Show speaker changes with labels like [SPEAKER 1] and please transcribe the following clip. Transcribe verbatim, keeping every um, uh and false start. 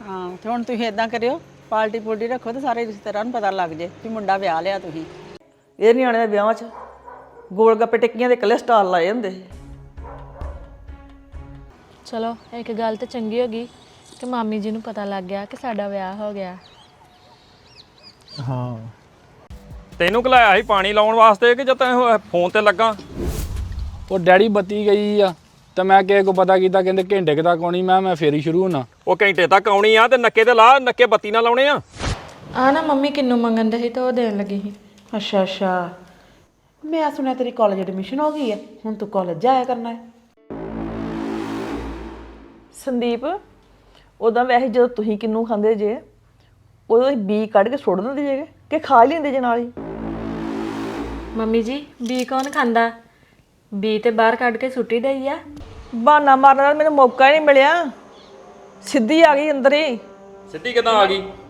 [SPEAKER 1] ਹਾਂ ਤੇ ਹੁਣ ਤੁਸੀਂ ਇਦਾਂ ਕਰਿਓ, ਪਾਰਟੀ ਪੂਲਟੀ ਰੱਖੋ ਤੇ ਸਾਰੇ ਰਿਸ਼ਤੇਦਾਰਾਂ ਨੂੰ ਪਤਾ ਲੱਗ ਜੇ ਵੀ ਮੁੰਡਾ ਵਿਆਹ ਲਿਆ ਤੁਸੀਂ।
[SPEAKER 2] ਇਹ ਨਿਆਣੇ ਦੇ ਵਿਆਹਾਂ 'ਚ ਗੋਲ ਗੱਪੇ ਟਿੱਕੀਆਂ ਦੇ ਇਕੱਲੇ ਸਟਾਲ ਲਾਏ ਹੁੰਦੇ ਸੀ।
[SPEAKER 3] ਚਲੋ ਇੱਕ ਗੱਲ ਤੇ ਚੰਗੀ ਹੋ ਗਈ ਕਿ ਮਾਮੀ ਜੀ ਨੂੰ ਪਤਾ ਲੱਗ ਗਿਆ ਕਿ ਸਾਡਾ ਵਿਆਹ ਹੋ ਗਿਆ।
[SPEAKER 4] ਹਾਂ
[SPEAKER 5] ਤੈਨੂੰ ਘਲਾਇਆ ਸੀ ਪਾਣੀ ਲਾਉਣ ਵਾਸਤੇ ਕਿ ਜਦ ਤੈਂ ਫੋਨ ਤੇ ਲੱਗਾ?
[SPEAKER 4] ਉਹ ਡੈਡੀ ਬੱਤੀ ਗਈ ਆ ਤੇ ਮੈਂ ਕਿਸੇ ਕੋ ਪਤਾ ਕੀਤਾ, ਕਹਿੰਦੇ ਘੰਟੇ ਕੁ ਤੱਕ ਆਉਣੀ। ਮੈਂ ਮੈਂ ਫੇਰ ਹੀ ਸ਼ੁਰੂ ਹੋਣਾ।
[SPEAKER 5] ਉਹ ਘੰਟੇ ਤੱਕ ਆਉਣੀ ਆ ਤੇ ਨੱਕੇ ਤੇ ਲਾ, ਨੱਕੇ ਬੱਤੀ ਨਾ ਲਾਉਣੇ ਆ।
[SPEAKER 3] ਆ ਨਾ ਮੰਮੀ ਕਿੰਨੂੰ ਮੰਗਣ ਦੇ ਸੀ ਤੇ ਉਹ ਦੇਣ ਲੱਗੀ ਸੀ।
[SPEAKER 2] ਅੱਛਾ ਅੱਛਾ, ਮੈਂ ਸੁਣਿਆ ਤੇਰੀ ਕਾਲਜ ਐਡਮਿਸ਼ਨ ਹੋ ਗਈ ਹੈ, ਹੁਣ ਤੂੰ ਕਾਲਜ ਜਾਇਆ ਕਰਨਾ ਹੈ। ਸੰਦੀਪ, ਉਦਾਂ ਵੈਸੇ ਜਦੋਂ ਤੁਸੀਂ ਕਿੰਨੂ ਖਾਂਦੇ ਜੇ ਉਦੋਂ ਬੀ ਕੱਢ ਕੇ ਸੁੱਟ ਦਿੰਦੇ ਜੇ ਕਿ ਖਾ ਹੀ ਲੈਂਦੇ ਜੇ ਨਾਲ ਹੀ?
[SPEAKER 3] ਮੰਮੀ ਜੀ ਬੀ ਕੌਣ ਖਾਂਦਾ? ਬੀ ਤੇ ਬਾਹਰ ਕੱਢ ਕੇ ਸੁੱਟੀ ਦਈ ਆ।
[SPEAKER 2] ਬਹਾਨਾ ਮਾਰਨ ਦਾ ਮੈਨੂੰ ਮੌਕਾ ਹੀ ਨਹੀਂ ਮਿਲਿਆ, ਸਿੱਧੀ ਆ ਗਈ ਅੰਦਰ ਹੀ।
[SPEAKER 5] ਸਿੱਧੀ ਕਿੱਦਾਂ ਆ ਗਈ?